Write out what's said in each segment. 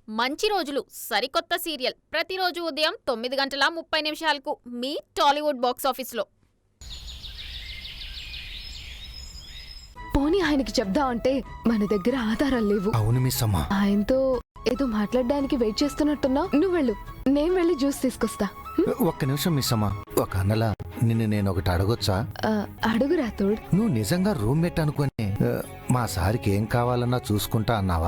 మంచి రోజులు సరికొత్త సీరియల్ ప్రతిరోజు ఉదయం 9:30 మీ టాలీవుడ్ బాక్స్ ఆఫీస్లో. పోనీ ఆయనకి చెప్దాం అంటే మన దగ్గర ఆధారాలు లేవు. అవును మిస్ అమ్మా. ఆయనతో ఏదో మాట్లాడడానికి వెయిట్ చేస్తున్నట్టున్నా. నువ్వు వెళ్ళు, నేను వెళ్ళి జ్యూస్ తీసుకొస్తా. ఒక్క నిమిషం మిస్ అమ్మా. ఒక అన్నలా నిన్ను నేను ఒకటి అడగొచ్చా? అడుగురా తోడు. నువ్వు నిజంగా రూమ్మేట్ అనుకుని మా సార్కి ఏం కావాలన్నా చూసుకుంటా అన్నావా?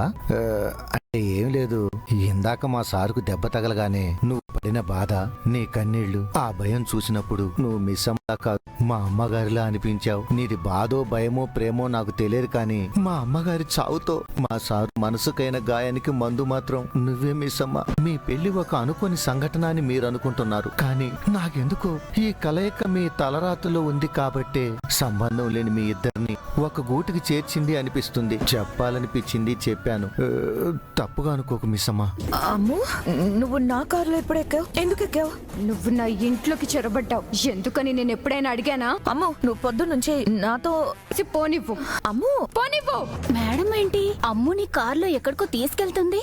అంటే ఏం లేదు, ఇందాక మా సారుకు దెబ్బ తగలగానే నువ్వు పడిన బాధ, నీ కన్నీళ్లు, ఆ భయం చూసినప్పుడు నువ్వు మిస్ అమ్మలా కాదు మా అమ్మగారిలా అనిపించావు. నీది బాధో భయమో ప్రేమో నాకు తెలియదు, కానీ మా అమ్మగారి చావుతో మా సారు మనసుకైన గాయానికి మందు మాత్రం నువ్వే మిస్ అమ్మ. మీ పెళ్లి ఒక అనుకోని సంఘటన అని మీరు అనుకుంటున్నారు, కానీ నాకెందుకో ఈ కలయిక మీ తలరాతలో ఉంది కాబట్టే సంబంధం లేని మీ ఇద్దరిని ఒక గూటికి చేర్చింది అనిపిస్తుంది. చెప్పాలనిపించింది, చెప్పాను. తప్పుగా అనుకోకు మిస్ అమ్మా. అమ్ము, నువ్వు నా కారులో ఎప్పుడు ఎక్కావు? ఎందుకు ఎక్కావు? నువ్వు నా ఇంట్లోకి చొరబడ్డావు, ఎందుకని నేను ఎప్పుడైనా అడిగానా? అమ్ము, నువ్వు పొద్దున్నుంచి నాతో పోనివ్వు. అమ్ము, పోనివ్వు. మేడం ఏంటి అమ్ముని కార్లో ఎక్కడికో తీసుకెళ్తుంది?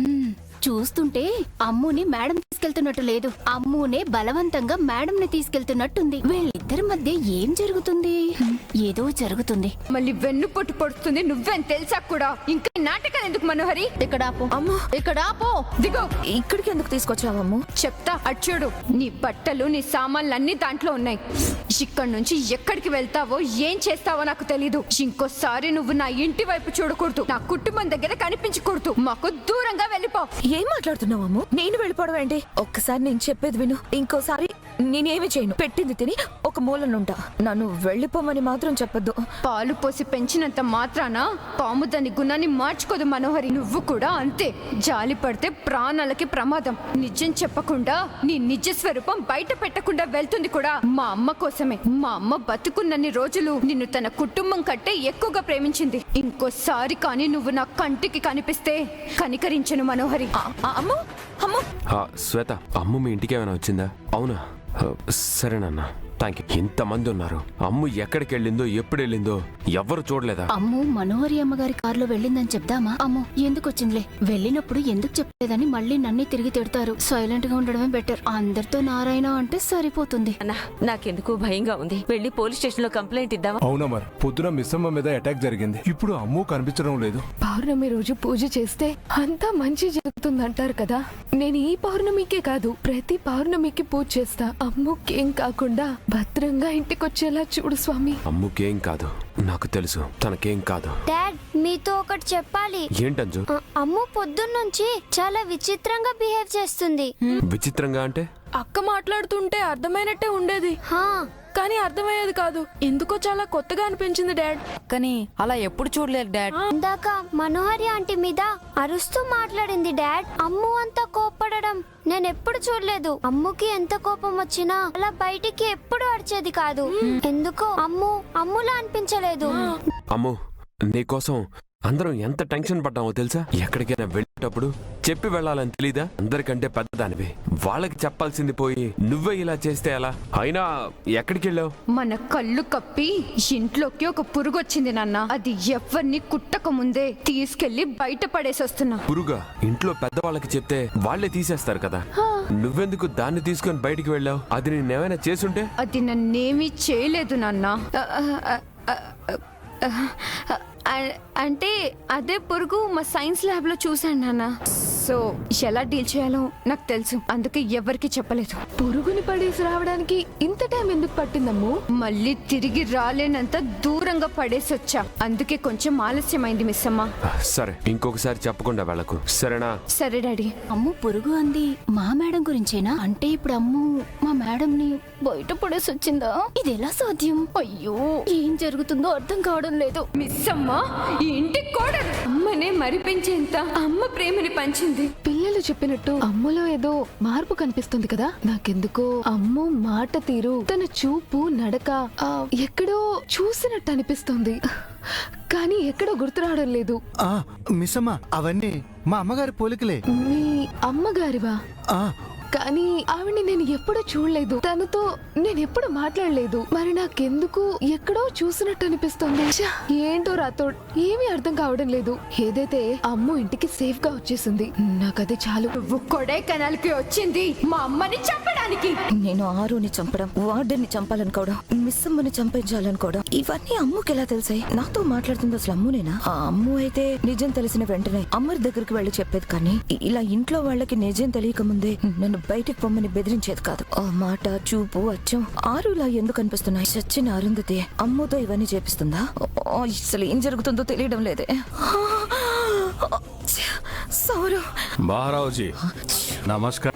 చూస్తుంటే అమ్ముని మేడం తీసుకెళ్తున్నట్టు లేదు, అమ్మునే బలవంతంగా మేడం ని తీసుకెళ్తున్నట్టుంది. వీళ్ళిద్దరి మధ్య ఏం జరుగుతుంది? ఏదో జరుగుతుంది. మళ్ళీ వెన్ను పొట్టు పడుతుంది, నువ్వేం తెలుసా కూడా. ఇంకా నాటకాలు ఎందుకు మనోహరి? ఇక్కడ ఆపు. అమ్ము, ఇక్కడ ఆపు. దిగో. ఇక్కడికి ఎందుకు తీసుకొచ్చావు అమ్ము? చెప్తా, అచ్చుడు. నీ బట్టలు, నీ సామాన్లు అన్ని దాంట్లో ఉన్నాయి. ఇక్కడి నుంచి ఎక్కడికి వెళ్తావో ఏం చేస్తావో నాకు తెలీదు. ఇంకోసారి నువ్వు నా ఇంటి వైపు చూడకూడదు, నా కుటుంబం దగ్గర కనిపించకూడదు. మాకు దూరంగా వెళ్ళిపో. ఏం మాట్లాడుతున్నావు అమ్ము? నేను వెళ్ళిపోవడం ఏంటి? ఒక్కసారి నేను చెప్పేది విను. ఇంకోసారి నేనేమి చేయను. పెట్టింది తిని ఒక మూలనుంటా. నన్ను వెళ్ళిపోమని మాత్రం చెప్పొద్దు. పాలు పోసి పెంచినంత మాత్రాన పాము దాని గుణాన్ని మార్చుకోదు మనోహరి. నువ్వు కూడా అంతే. జాలి పడితే ప్రాణాలకి ప్రమాదం. నిజం చెప్పకుండా నీ నిజ స్వరూపం బయట పెట్టకుండా వెళ్తుంది కూడా మా అమ్మ కోసమే. మా అమ్మ బతుకున్నన్ని రోజులు నిన్ను తన కుటుంబం కంటే ఎక్కువగా ప్రేమించింది. ఇంకోసారి కానీ నువ్వు నా కంటికి కనిపిస్తే కనికరించను మనోహరి. అమ్ము, అమ్ము. శ్వేత, అమ్ము మీ ఇంటికి ఏమైనా వచ్చిందా? అవునా? సరేనన్నా, థ్యాంక్ యూ. ఇంతమంది ఉన్నారు, అమ్ము ఎక్కడికి వెళ్ళిందో ఎప్పుడు వెళ్ళిందో ఎవ్వరు చూడలేదా? అమ్ము మనోహరి అమ్మగారి కారులో వెళ్ళిందని చెప్దామా? అమ్ము ఎందుకు వచ్చిందిలే, వెళ్ళినప్పుడు ఎందుకు చెప్పలేదని మళ్ళీ నన్నే తిరిగి తిడతారు. సైలెంట్ గా ఉండడమే బెటర్. అందరితో నారాయణ అంటే సరిపోతుంది. నాకెందుకు భయంగా ఉంది. వెళ్ళి పోలీస్ స్టేషన్ లో కంప్లైంట్ ఇద్దామా? అవునా, మరి పొద్దున మిస్సమ్మ మీద అటాక్ జరిగింది. ఇప్పుడు అమ్ము కనిపించడం లేదు. పౌర్ణమి రోజు పూజ చేస్తే అంతా మంచి జరుగుతుందంటారు కదా. నేను ఈ పౌర్ణమికే కాదు, ప్రతి పౌర్ణమికి పూజ చేస్తా. అమ్ముకేం కాకుండా భద్రంగా ఇంటికొచ్చేలా చూడు స్వామి. అమ్ముకేం కాదు, నాకు తెలుసు తనకేం కాదు. డాడ్, మీతో ఒకటి చెప్పాలి. ఏంటంజు? అమ్ము పొద్దున్నుంచి చాలా విచిత్రంగా బిహేవ్ చేస్తుంది. విచిత్రంగా అంటే? అక్క మాట్లాడుతుంటే అర్థమైనట్టే ఉండేది, కానీ అర్థమయ్యేది కాదు. ఎందుకో చాలా కొత్తగా అనిపించింది డాడ్. కానీ అలా ఎప్పుడు చూడలేదు డాడ్. ఇందాక మనోహరి ఆంటీ మీద అరుస్తూ మాట్లాడింది డాడ్. అమ్ము అంతా కోప్పడడం నేనెప్పుడు చూడలేదు. అమ్ముకి ఎంత కోపం వచ్చినా అలా బయటికి ఎప్పుడు అరిచేది కాదు. ఎందుకో అమ్ములా అనిపించలేదు. అమ్ము, నీకోసం అందరం ఎంత టెన్షన్ పడ్డామో తెలుసా? ఎక్కడికైనా వెళ్ళేటప్పుడు చెప్పి వెళ్ళాలని తెలీదా? అందరికంటే పెద్దదానివి, వాళ్ళకి చెప్పాల్సింది పోయి నువ్వే ఇలా చేస్తే ఎలా? అయినా ఎక్కడికి వెళ్ళావు? మన కళ్ళు కప్పి ఇంట్లోకి ఒక పురుగు వచ్చింది నాన్న. అది ఎవరిని కుట్టక ముందే తీసుకెళ్లి బయట పడేసి వస్తున్నా. పురుగా? ఇంట్లో పెద్దవాళ్ళకి చెప్తే వాళ్లే తీసేస్తారు కదా. నువ్వెందుకు దాన్ని తీసుకొని బయటికి వెళ్ళావు? అది నేనేమైనా చేసుంటే? అది నన్నేమీ చేయలేదు నాన్న. అంటే అదే పురుగు మా సైన్స్ ల్యాబ్ లో చూశాను నాన్న. సో ఎలా డీల్ చేయాలో నాకు తెలుసు, అందుకే ఎవరికి చెప్పలేదు. పురుగుని పడేసి రావడానికి ఇంత టైం ఎందుకు పట్టిందమ్ము? మళ్ళీ తిరిగి రాలేనంత దూరంగా పడేసి వచ్చా, అందుకే కొంచెం ఆలస్యమైంది మిస్ అమ్మ. సరే, ఇంకొకసారి చెప్పకుండా వెళ్ళకు, సరేనా? సరే డాడీ. అమ్ము పురుగు అంది మా మేడం గురించేనా? అంటే ఇప్పుడు అమ్ము మా మేడం ని బయట పడేసి వచ్చిందా? ఇది ఎలా సాధ్యం? అయ్యో, ఏం జరుగుతుందో అర్థం కావడం లేదు. మిస్ అమ్మ ఈ ఇంటి కోడలు. అమ్మనే మరిపించేంత అమ్మ ప్రేమని పంచింది. పిల్లలు చెప్పినట్టు అమ్మలో ఏదో మార్పు కనిపిస్తుంది కదా. నాకెందుకో అమ్మ మాట తీరు, తన చూపు, నడక ఎక్కడో చూసినట్టు అనిపిస్తుంది, కానీ ఎక్కడో గుర్తు రావడం లేదు. మిస్ అమ్మా, అవన్నీ మా అమ్మగారి పోలికలే. మీ అమ్మగారివా? కానీ ఆవిడ్ని నేను ఎప్పుడూ చూడలేదు, తనతో నేను ఎప్పుడు మాట్లాడలేదు. మరి నాకెందుకు ఎక్కడో చూసినట్టు అనిపిస్తుంది. ఛ, ఏంటో రాథోడ్, ఏమీ అర్థం కావడం లేదు. ఏదైతే అమ్ము ఇంటికి సేఫ్ గా వచ్చేసింది, నాకది చాలు. నువ్వు కొడైకెనాల్కి వచ్చింది మా అమ్మని చంపడానికి. నేను ఆరుని చంపడం, వార్డెన్ని చంపాలనుకోవడం, మిస్ అమ్మని చంపించాలనుకోవడం, ఇవన్నీ అమ్ముకి ఎలా తెలిసాయి? నాతో మాట్లాడుతుంది అసలు అమ్మునేనా? ఆ అమ్ము అయితే నిజం తెలిసిన వెంటనే అమ్మరి దగ్గరికి వెళ్ళి చెప్పేది, కానీ ఇలా ఇంట్లో వాళ్ళకి నిజం తెలియక ముందే నన్ను బయటికి పొమ్మని బెదిరించేది కాదు. ఆ మాట, చూపు, అచ్చం ఆరులా ఎందుకు అనిపిస్తున్నాయి? చచ్చిన అరుంధతి అమ్ముతో ఇవన్నీ చేపిస్తుందా? అసలు ఏం జరుగుతుందో తెలియడం లేదే. సౌరు, బారావుజీ నమస్కారం.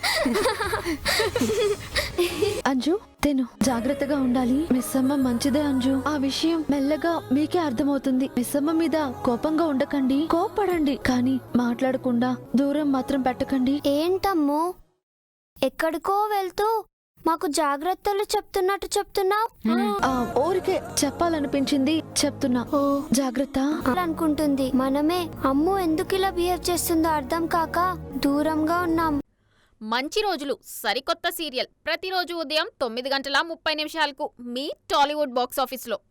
అంజు, తెను జాగ్రత్తగా ఉండాలి. మిస్ అమ్మ మంచిదే అంజు. ఆ విషయం మెల్లగా మీకే అర్థమవుతుంది. మిస్ అమ్మ మీద కోపంగా ఉండకండి, కోపడండి, కానీ మాట్లాడకుండా దూరం మాత్రం పెట్టకండి. ఏంటమ్ము ఎక్కడికో వెళ్తూ మాకు జాగ్రత్తలు చెప్తున్నట్టు చెప్తున్నావు? ఊరికే చెప్పాలనిపించింది చెప్తున్నా. ఓ జాగ్రత్త అనుకుంటుంది. మనమే అమ్ము ఎందుకు ఇలా బిహేవ్ చేస్తుందో అర్థం కాక దూరంగా ఉన్నాం. మంచి రోజులు సరికొత్త సీరియల్ ప్రతిరోజు ఉదయం 9:30 మీ టాలీవుడ్ బాక్స్ ఆఫీస్లో.